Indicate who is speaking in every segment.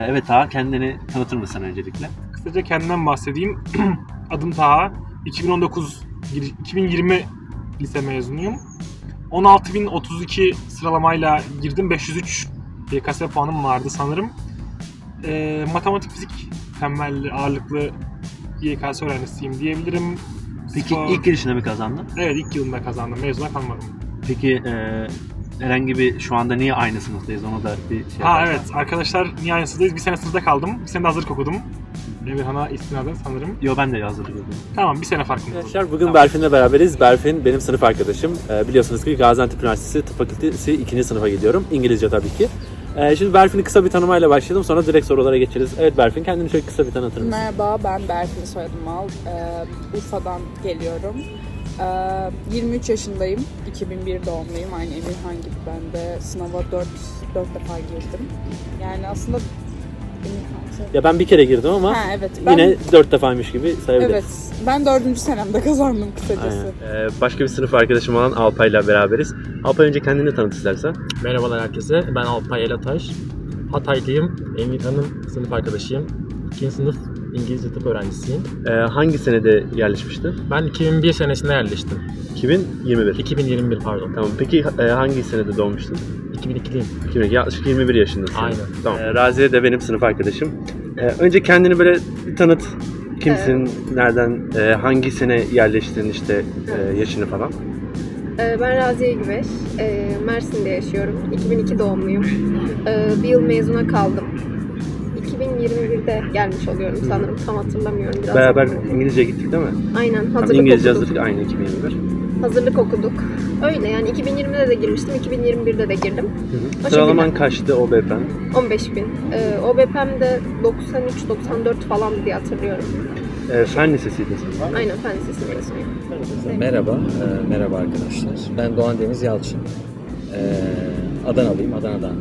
Speaker 1: Evet Taha, kendini tanıtır mısın öncelikle?
Speaker 2: Kısaca kendimden bahsedeyim. Adım Taha. 2020 lise mezunuyum. 16.032 sıralamayla girdim. 503 YKS puanım vardı sanırım. Matematik, fizik temelli ağırlıklı YKS öğrencisiyim diyebilirim.
Speaker 1: Peki ilk girişinde mi kazandın?
Speaker 2: Evet, ilk yılında kazandım. Mezuna kalmadım.
Speaker 1: Peki herhangi bir şu anda niye aynı sınıftayız, onu da bir şey
Speaker 2: Ha
Speaker 1: yaparsan.
Speaker 2: evet, arkadaşlar niye aynı sınıftayız? Bir sene sınıfta kaldım. Bir sene de hazırlık okudum. Emirhan'a istinaden sanırım.
Speaker 1: Yo, ben de yazdım.
Speaker 2: Tamam, bir sene farkımız oldu.
Speaker 3: Arkadaşlar bugün
Speaker 2: Tamam.
Speaker 3: Berfin'le beraberiz. Berfin benim sınıf arkadaşım. Biliyorsunuz ki Gaziantep Üniversitesi Tıp Fakültesi 2. sınıfa gidiyorum. İngilizce tabii ki. Şimdi Berfin'i kısa bir tanımayla başlayalım. Sonra direkt sorulara geçeriz. Evet Berfin, kendini şöyle kısa bir tanıtır mısın?
Speaker 4: Merhaba, ben Berfin, soyadım Mal. Urfa'dan geliyorum. 23 yaşındayım. 2001 doğumluyum. Aynı Emirhan gibi ben de sınava 4 defa girdim. Yani aslında
Speaker 3: Ya ben bir kere girdim ama
Speaker 4: evet,
Speaker 3: yine 4 defaymış gibi sayabiliriz.
Speaker 4: Evet, ben 4. senemde kazandım kısacası.
Speaker 3: Başka bir sınıf arkadaşım olan Alpay'la beraberiz. Alpay, önce kendini tanıt istersen.
Speaker 5: Merhabalar herkese. Ben Alpay Elataş. Hataylıyım. Emirhan'ın sınıf arkadaşıyım. 2. sınıf İngilizce tıp öğrencisiyim.
Speaker 3: Hangi senede yerleşmiştin?
Speaker 5: Ben 2001 senesinde yerleştim.
Speaker 3: 2021.
Speaker 5: 2021 pardon.
Speaker 3: Tamam. Peki hangi senede doğmuştun?
Speaker 5: 2002'liyim.
Speaker 3: 2002. Yaklaşık 21 yaşındasın.
Speaker 5: Aynen.
Speaker 3: Tamam. Raziye de benim sınıf arkadaşım. Önce kendini böyle bir tanıt. Kimsin? Nereden? Hangi sene yerleştin, işte yaşını falan?
Speaker 6: Ben Raziye Güveş. Mersin'de yaşıyorum. 2002 doğumluyum. Bir yıl mezuna kaldım. 2021'de gelmiş oluyorum sanırım. Tam hatırlamıyorum. Biraz
Speaker 3: Beraber
Speaker 6: zaman oldu.
Speaker 3: İngilizce gittik değil mi?
Speaker 6: Aynen.
Speaker 3: Tamam,
Speaker 6: Hazırlık
Speaker 3: İngilizce
Speaker 6: okuduk.
Speaker 3: hazırlık aynı 2021.
Speaker 6: Hazırlık okuduk. Öyle yani 2020'de de girmiştim. 2021'de de girdim. O
Speaker 3: Sıralaman
Speaker 6: şekilde.
Speaker 3: kaçtı OBP'm?
Speaker 6: 15.000. OBP'm de 93-94 falan diye hatırlıyorum.
Speaker 3: Fen lisesiydin sen.
Speaker 6: Aynen, fen lisesi mezunuyum.
Speaker 7: Merhaba, merhaba arkadaşlar. Ben Doğan Deniz Yalçın. Adanalıyım, Adana'dan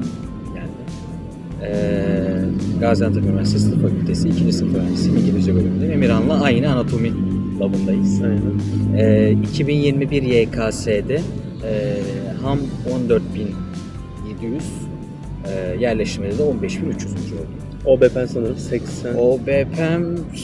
Speaker 7: geldim. Gaziantep Üniversitesi Tıp Fakültesi 2. sınıf öğrencisiyim, İngilizce bölümündeyim. Emirhan'la aynı anatomi labındayız. 2021 YKS'de ham 14.700, yerleşmede de 15.300. oldu.
Speaker 3: OBP'm sanırım 80.
Speaker 7: OBP'm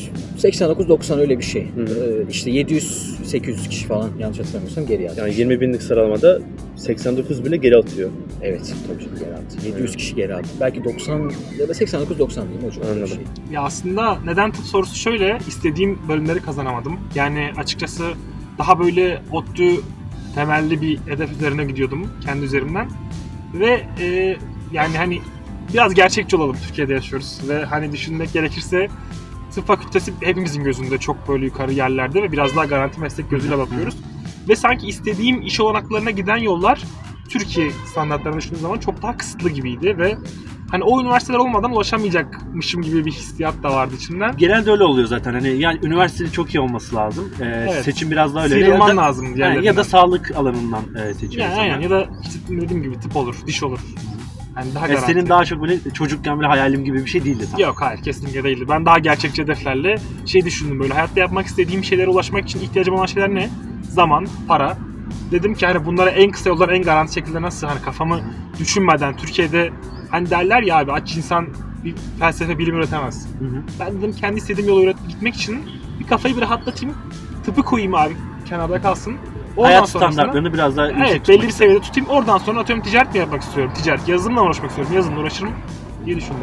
Speaker 7: 89-90 öyle bir şey. İşte 700-800 kişi falan, yanlış hatırlamıyorsam geri yazmış.
Speaker 3: Yani 20 binlik sıralamada 89 bile geri atıyor.
Speaker 7: Evet, tabii ki geri attı. 700 kişi geri attı. Belki 90 ya da 89-90 diyeyim hocam.
Speaker 3: Anladım.
Speaker 7: Şey.
Speaker 2: Ya aslında neden tıp sorusu şöyle, istediğim bölümleri kazanamadım. Yani açıkçası daha böyle ODTÜ temelli bir hedef üzerine gidiyordum kendi üzerimden. Ve yani hani biraz gerçekçi olalım, Türkiye'de yaşıyoruz. Ve hani düşünmek gerekirse tıp fakültesi hepimizin gözünde çok böyle yukarı yerlerde ve biraz daha garanti meslek gözüyle bakıyoruz. Ve sanki istediğim iş olanaklarına giden yollar Türkiye standartlarına düşündüğüm zaman çok daha kısıtlı gibiydi ve hani o üniversiteler olmadan ulaşamayacakmışım gibi bir hissiyat da vardı içimden.
Speaker 1: Genelde öyle oluyor zaten. Hani yani üniversitenin çok iyi olması lazım.
Speaker 2: Evet.
Speaker 1: Seçim biraz daha öyle.
Speaker 2: Sıyrılman
Speaker 1: Ya da-
Speaker 2: lazım
Speaker 1: yani
Speaker 2: diğerlerinden.
Speaker 1: ya da sağlık alanından seçiyor
Speaker 2: Yani
Speaker 1: insanlar.
Speaker 2: aynen, ya da işte dediğim gibi tıp olur, diş olur. Yani daha garanti.
Speaker 1: Senin daha çok böyle çocukken böyle hayalim gibi bir şey değildi tam.
Speaker 2: Yok, hayır, kesinlikle değildi. Ben daha gerçekçi hedeflerle düşündüm böyle. Hayatta yapmak istediğim şeylere ulaşmak için ihtiyacım olan şeyler ne? Zaman, para. Dedim ki hani bunlara en kısa yollar, en garanti şekilde nasıl, hani kafamı düşünmeden Türkiye'de hani derler ya abi, aç insan bir felsefe bilim üretemez. Ben dedim kendi istediğim yolu gitmek için bir kafayı bir rahatlatayım. Tıpı koyayım abi, kenarda kalsın. Oradan
Speaker 1: Hayat
Speaker 2: sonrasında-
Speaker 1: standartlarını biraz daha yüksek
Speaker 2: Evet,
Speaker 1: tutmak
Speaker 2: belli bir seviyede tutayım. Oradan sonra atıyorum ticaret mi yapmak istiyorum? Ticaret, yazılımla uğraşmak istiyorum. Yazılımla uğraşırım diye düşündüm.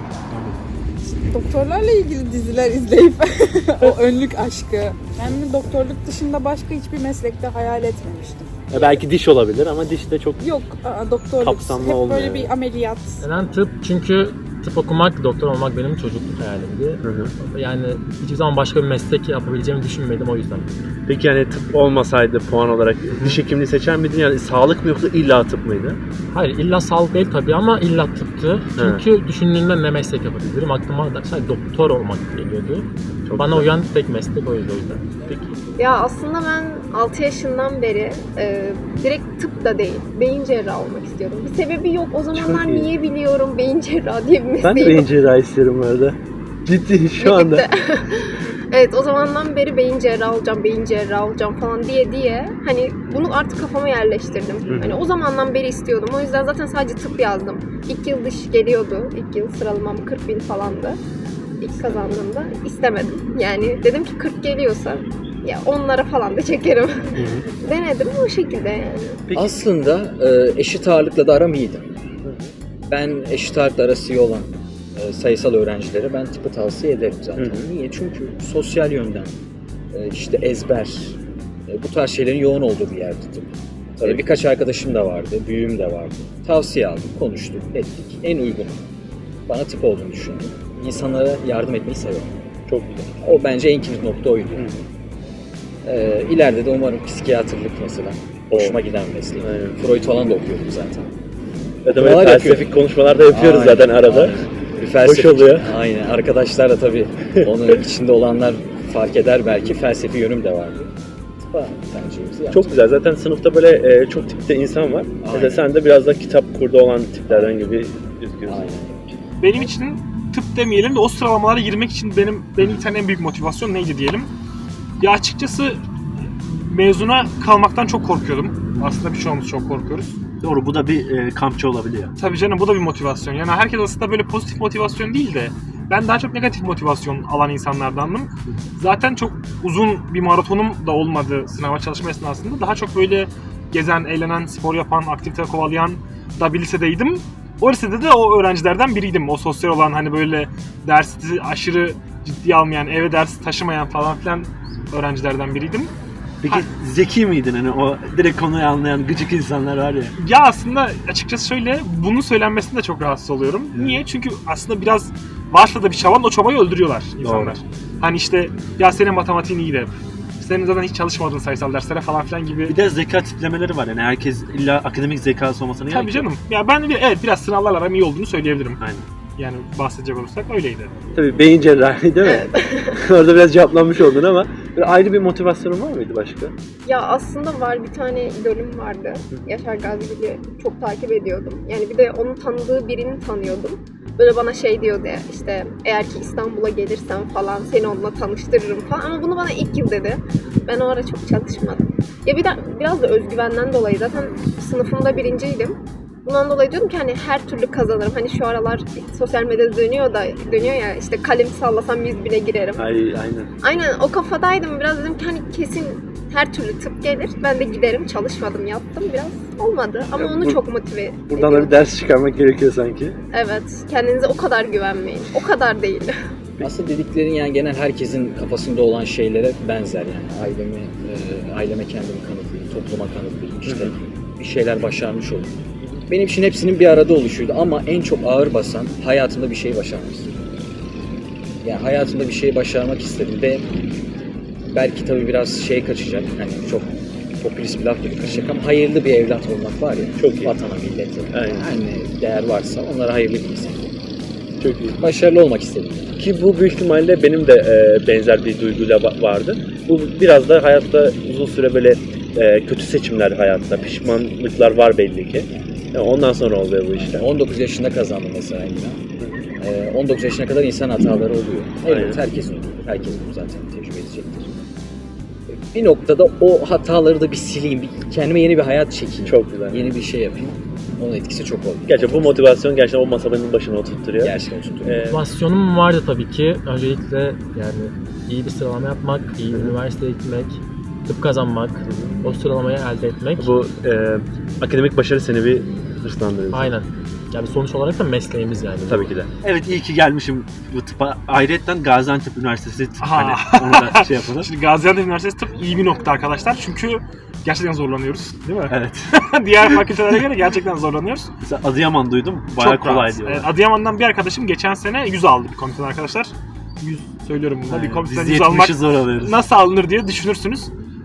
Speaker 4: Doktorlarla ilgili diziler izleyip o önlük aşkı. Ben doktorluk dışında başka hiçbir meslekte hayal etmemiştim.
Speaker 3: Belki diş olabilir ama diş de çok
Speaker 4: Yok, doktorluk
Speaker 3: Kapsamlı
Speaker 4: hep
Speaker 3: olmuyor
Speaker 4: böyle
Speaker 3: yani.
Speaker 4: bir ameliyat.
Speaker 5: Neden tıp? Çünkü tıp okumak, doktor olmak benim çocukluk hayalimdi. Yani hiçbir zaman başka bir meslek yapabileceğimi düşünmedim o yüzden.
Speaker 3: Peki yani tıp olmasaydı puan olarak diş hekimliği seçer miydin? Yani sağlık mı yoksa illa tıp mıydı?
Speaker 5: Hayır, illa sağlık değil tabii ama illa tıptı. Çünkü düşündüğümde ne meslek yapabilirim? Aklıma da sadece doktor olmak geliyordu.
Speaker 3: Çok
Speaker 5: Bana
Speaker 3: güzel.
Speaker 5: uyan tek meslek oydu o yüzden.
Speaker 3: Peki.
Speaker 6: Ya aslında ben 6 yaşından beri direkt tıp da değil, beyin cerrahı olmak istiyorum. Bir sebebi yok. O zamanlar
Speaker 3: Çok iyi.
Speaker 6: niye biliyorum beyin cerrahı diye bir mesleği
Speaker 3: Ben de
Speaker 6: yok.
Speaker 3: beyin cerrahi istiyorum bu arada. Ciddi şu anda.
Speaker 6: Birlikte. Evet, o zamandan beri beyin cerrahı olacağım falan diye hani bunu artık kafama yerleştirdim. Hani o zamandan beri istiyordum. O yüzden zaten sadece tıp yazdım. İlk yıl dış geliyordu. İlk yıl sıralamam 40.000 falandı. İlk kazandığımda istemedim. Yani dedim ki 40 geliyorsa ya onlara falan da çekerim. Denedim o şekilde yani.
Speaker 7: Aslında eşit ağırlıkla da aram iyiydi. Ben eşit ağırlıkla arası iyi olan sayısal öğrencilere ben tıpı tavsiye ederim zaten. Niye? Çünkü sosyal yönden işte ezber bu tarz şeylerin yoğun olduğu bir yerdi tıp. Birkaç arkadaşım da vardı, büyüğüm de vardı. Tavsiye aldım, konuştuk, ettik. En uygun bana tıp olduğunu düşündüm. İnsanlara yardım etmeyi seviyorum. Çok güzel. O bence en kilit nokta oydu. İleride de umarım psikiyatrlık mesela. Hoşuma giden mesleğim. Freud falan da okuyordum zaten.
Speaker 3: Ya da böyle felsefik konuşmalar da yapıyoruz zaten arada.
Speaker 7: Aynen. Bir felsefik,
Speaker 3: hoş oluyor.
Speaker 7: Aynen. Arkadaşlar da tabii onun içinde olanlar fark eder belki. Felsefi yönüm de vardı. Tıpa tercihimizi yaptık.
Speaker 3: Çok güzel. Zaten sınıfta böyle çok tipte insan var. Mesela sen de biraz da kitap kurdu olan tiplerden gibi gözüküyorsun.
Speaker 7: Aynen.
Speaker 2: Benim için tıp demeyelim de o sıralamalara girmek için benim bir tane en büyük motivasyon neydi diyelim. Ya açıkçası mezuna kalmaktan çok korkuyordum. Aslında birçoğumuz çok korkuyoruz.
Speaker 1: Doğru, bu da bir kampçı olabiliyor.
Speaker 2: Tabii canım, bu da bir motivasyon. Yani herkes aslında böyle pozitif motivasyon değil de ben daha çok negatif motivasyon alan insanlardandım. Zaten çok uzun bir maratonum da olmadı sınava çalışma esnasında. Daha çok böyle gezen, eğlenen, spor yapan, aktivite kovalayan da bir lisedeydim. O lisede de o öğrencilerden biriydim. O sosyal olan, hani böyle dersi aşırı ciddiye almayan, eve ders taşımayan falan filan öğrencilerden biriydim.
Speaker 1: Peki zeki miydin, hani o direkt konuyu anlayan gıcık insanlar var ya?
Speaker 2: Ya aslında açıkçası şöyle, bunun söylenmesinde çok rahatsız oluyorum. Niye? Çünkü aslında biraz varsa da bir çaban, o çabayı öldürüyorlar insanlar.
Speaker 1: Doğru.
Speaker 2: Hani işte ya senin matematiğin iyi de, senin zaten hiç çalışmadın sayısal derslere falan filan gibi.
Speaker 1: Bir de zeka tiplemeleri var, yani herkes illa akademik zekası olmasına gerek
Speaker 2: Tabii
Speaker 1: yok.
Speaker 2: canım. Ya ben biraz sınavlarla aram iyi olduğunu söyleyebilirim.
Speaker 1: Aynen.
Speaker 2: Yani bahsedecek olursak öyleydi.
Speaker 3: Tabii beyin cerrahi değil mi? Orada biraz cevaplanmış oldun ama ayrı bir motivasyonun var mıydı başka?
Speaker 6: Ya aslında var, bir tane idolüm vardı. Yaşar Gazigül'ü çok takip ediyordum. Yani bir de onun tanıdığı birini tanıyordum. Böyle bana şey diyordu ya, işte eğer ki İstanbul'a gelirsen falan seni onunla tanıştırırım falan. Ama bunu bana ilk yıl dedi. Ben o ara çok çalışmadım. Ya biraz da özgüvenden dolayı, zaten sınıfımda birinciydim. Bundan dolayı diyordum ki hani her türlü kazanırım. Hani şu aralar sosyal medyada dönüyor ya, işte kalem sallasam 100.000'e girerim.
Speaker 3: Aynen.
Speaker 6: Aynen o kafadaydım. Biraz dedim ki hani kesin her türlü tıp gelir. Ben de giderim. Çalışmadım, yaptım. Biraz olmadı ama onu çok motive
Speaker 3: Buradan da bir ders çıkarmak gerekiyor sanki.
Speaker 6: Evet. Kendinize o kadar güvenmeyin. O kadar değil.
Speaker 7: Aslında dediklerin yani genel herkesin kafasında olan şeylere benzer yani. Aileme kendimi kanıtlayayım, topluma kanıtlayayım, işte bir şeyler başarmış olayım. Benim için hepsinin bir arada oluşuydu ama en çok ağır basan hayatımda bir şey başarmak istedim. Yani hayatımda bir şey başarmak istedim ve belki tabii biraz şey kaçacak, hani çok popülist bir laf gibi kaçacak ama hayırlı bir evlat olmak var ya,
Speaker 3: çok iyi.
Speaker 7: Vatana, millete,
Speaker 3: Aynen.
Speaker 7: hani değer varsa onlara hayırlı bir insan.
Speaker 3: Çok iyi.
Speaker 7: Başarılı olmak istedim.
Speaker 3: Ki bu büyük ihtimalle benim de benzer bir duyguyla vardı. Bu biraz da hayatta uzun süre böyle kötü seçimler hayatta, pişmanlıklar var belli ki. Yani ondan sonra oluyor bu işler.
Speaker 7: 19 yaşında kazandım mesela yine. 19 yaşına kadar insan hataları oluyor. Evet, herkesin oluyor. Herkes bunu zaten tecrübe edecektir. Bir noktada o hataları da bir sileyim, kendime yeni bir hayat çekeyim.
Speaker 3: Çok güzel.
Speaker 7: Yeni bir şey yapayım. Onun etkisi çok oldu.
Speaker 3: Gerçekten bu motivasyon gerçekten o masanın başına oturtturuyor.
Speaker 7: Gerçekten oturtuyor.
Speaker 5: Motivasyonum vardı tabii ki. Öncelikle yani iyi bir sıralama yapmak, iyi bir üniversiteye gitmek, tıp kazanmak, o sıralamayı elde etmek.
Speaker 3: Bu akademik başarı seni bir hırslandırıyor.
Speaker 5: Aynen. Yani sonuç olarak da mesleğimiz yani.
Speaker 3: Tabii ki de.
Speaker 1: Evet, iyi ki gelmişim bu tıpa. Ayrıyeten Gaziantep Üniversitesi tıp,
Speaker 2: Aha.
Speaker 1: hani onu da şey yapalım.
Speaker 2: Şimdi Gaziantep Üniversitesi tıp iyi bir nokta arkadaşlar. Çünkü gerçekten zorlanıyoruz, değil mi?
Speaker 1: Evet.
Speaker 2: Diğer fakültelere göre gerçekten zorlanıyoruz.
Speaker 1: Mesela Adıyaman duydum, bayağı
Speaker 2: Çok
Speaker 1: kolay
Speaker 2: rahat.
Speaker 1: diyorlar.
Speaker 2: Adıyaman'dan bir arkadaşım geçen sene 100 aldı bir komiteden arkadaşlar. 100 söylüyorum bunda. Bir komiteden
Speaker 1: Biz
Speaker 2: 100 almak
Speaker 1: 70'i zor alıyoruz.
Speaker 2: nasıl alınır diye düşünürsünüz.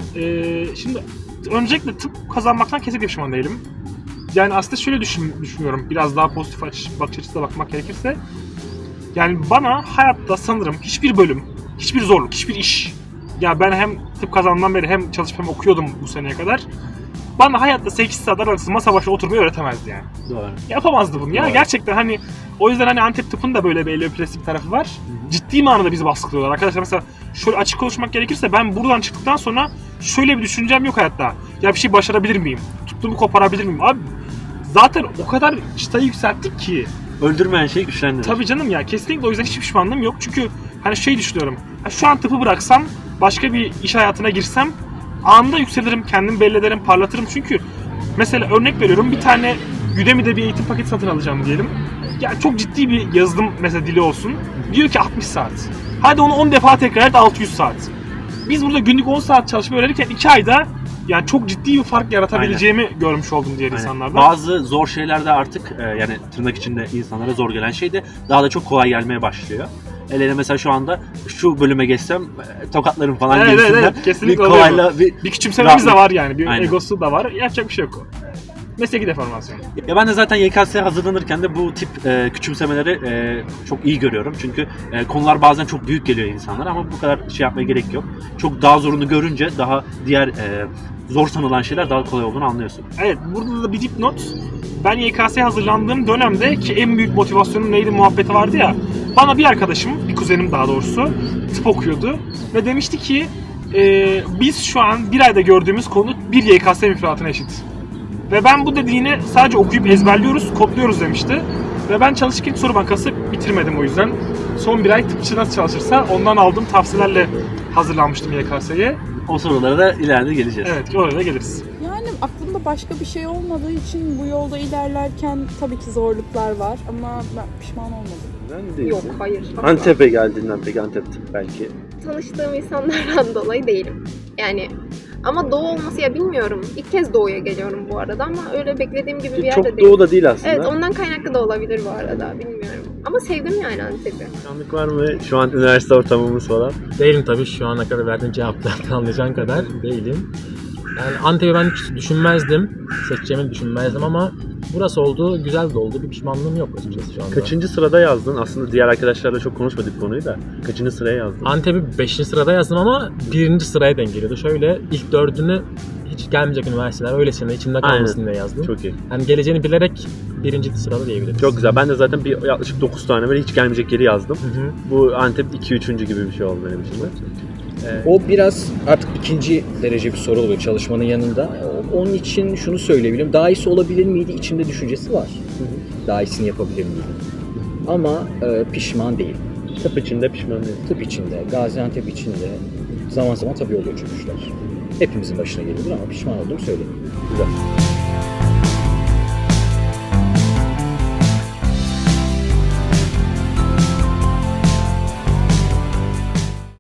Speaker 2: Şimdi öncelikle tıp kazanmaktan kesinlikle pişman değilim. Yani aslında şöyle düşünüyorum, biraz daha pozitif bakış açısıyla bakmak gerekirse. Yani bana hayatta sanırım hiçbir bölüm, hiçbir zorluk, hiçbir iş. Ya ben hem tıp kazandığımdan beri hem çalışıp hem okuyordum bu seneye kadar. bana hayatta 8 saat aralıksız masa başına oturmayı öğretemezdi yani.
Speaker 1: Doğru.
Speaker 2: Yapamazdı bunu ya.
Speaker 1: Doğru.
Speaker 2: Gerçekten hani o yüzden hani Antep tıpın da böyle bir eleopresi bir tarafı var. Ciddi manada bizi baskılıyorlar. Arkadaşlar mesela şöyle açık konuşmak gerekirse ben buradan çıktıktan sonra şöyle bir düşüncem yok hayatta. Ya bir şey başarabilir miyim? Tuttuğumu koparabilir miyim? Abi zaten o kadar çıtayı yükselttik ki.
Speaker 1: Öldürmeyen şey güçlendirir.
Speaker 2: Tabii canım ya, kesinlikle o yüzden hiç pişmanlığım yok. Çünkü hani şey düşünüyorum. Şu an tıpı bıraksam, başka bir iş hayatına girsem anında yükselirim, kendimi belli ederim, parlatırım. Çünkü mesela örnek veriyorum, bir tane Udemy'de bir eğitim paketi satın alacağım diyelim. Ya çok ciddi bir yazılım mesela dili olsun. Diyor ki 60 saat. Hadi onu 10 defa tekrar et, 600 saat. Biz burada günlük 10 saat çalışmayı öğrenirken 2 ayda yani çok ciddi bir fark yaratabileceğimi görmüş oldum diğer insanlardan.
Speaker 1: Bazı zor şeylerde artık yani tırnak içinde insanlara zor gelen şey de daha da çok kolay gelmeye başlıyor. Ele mesela şu anda şu bölüme geçsem tokatlarım falan gibisinden
Speaker 2: Evet, kesinlikle
Speaker 1: bir kolayla
Speaker 2: bir küçümsememiz de var yani. Bir
Speaker 1: Aynen.
Speaker 2: egosu da var. Yapacak bir şey yok. Mesleki deformasyon.
Speaker 1: Ya ben de zaten YKS'ye hazırlanırken de bu tip küçümsemeleri çok iyi görüyorum. Çünkü konular bazen çok büyük geliyor insanlara ama bu kadar şey yapmaya gerek yok. Çok daha zorunu görünce daha diğer zor sanılan şeyler daha kolay olduğunu anlıyorsun.
Speaker 2: Evet, burada da bir dipnot. Ben YKS'ye hazırlandığım dönemde ki en büyük motivasyonum neydi muhabbeti vardı ya. Bana bir arkadaşım, bir kuzenim daha doğrusu tıp okuyordu ve demişti ki biz şu an bir ayda gördüğümüz konu bir YKS müfredatına eşit. Ve ben bu dediğini sadece okuyup ezberliyoruz, kodluyoruz demişti. Ve ben çalışırken soru bankası bitirmedim o yüzden. Son bir ay tıpçı nasıl çalışırsa ondan aldığım tavsiyelerle hazırlanmıştım YKS'ye.
Speaker 1: O sorulara da ileride geleceğiz.
Speaker 2: Evet, oraya da geliriz.
Speaker 4: Yani aklımda başka bir şey olmadığı için bu yolda ilerlerken tabii ki zorluklar var ama ben pişman olmadım.
Speaker 6: Yok, hayır.
Speaker 3: Antep'e geldiğinden peki Antep belki.
Speaker 6: Tanıştığım insanlardan dolayı değilim. Yani ama doğu olması ya bilmiyorum. İlk kez doğuya geliyorum bu arada ama öyle beklediğim gibi bir yerde
Speaker 3: Çok
Speaker 6: değil.
Speaker 3: doğu da değil aslında.
Speaker 6: Evet, ondan kaynaklı da olabilir bu arada, bilmiyorum. Ama sevdim yani Antep'i.
Speaker 3: Pişmanlık var mı? Şu an üniversite ortamımız falan.
Speaker 5: Değilim tabii, şu ana kadar verdiğim cevaplardan anlayacağın kadar değilim. Yani Antep'i ben hiç düşünmezdim, seçeceğimi düşünmezdim ama burası oldu, güzel de oldu. Bir pişmanlığım yok açıkçası şu anda.
Speaker 3: Kaçıncı sırada yazdın? Aslında diğer arkadaşlarla çok konuşmadık konuyu da. Kaçıncı sıraya yazdın?
Speaker 5: Antep'i 5. sırada yazdım ama 1. sıraya denk geliyordu. Şöyle ilk 4'ünü hiç gelmeyecek üniversiteler öylesine içimde kalmasın diye yazdım.
Speaker 3: Çok iyi.
Speaker 5: Yani geleceğini bilerek 1. sırada diyebiliriz.
Speaker 3: Çok güzel. Ben de zaten bir yaklaşık 9 tane böyle hiç gelmeyecek yeri yazdım.
Speaker 5: Hı hı.
Speaker 3: Bu Antep 2-3. gibi bir şey oldu benim için de.
Speaker 7: O biraz artık ikinci derece bir soru oluyor çalışmanın yanında. Onun için şunu söyleyebilirim. Daha iyisi olabilir miydi? İçimde düşüncesi var. Daha iyisini yapabilir miydim? Ama pişman değil.
Speaker 3: Tıp içinde pişman değilim.
Speaker 7: Tıp içinde, Gaziantep içinde zaman zaman tabii oluyor çöküşler. Hepimizin başına gelebilir ama pişman olduğumu söyleyeyim.
Speaker 3: Güzel.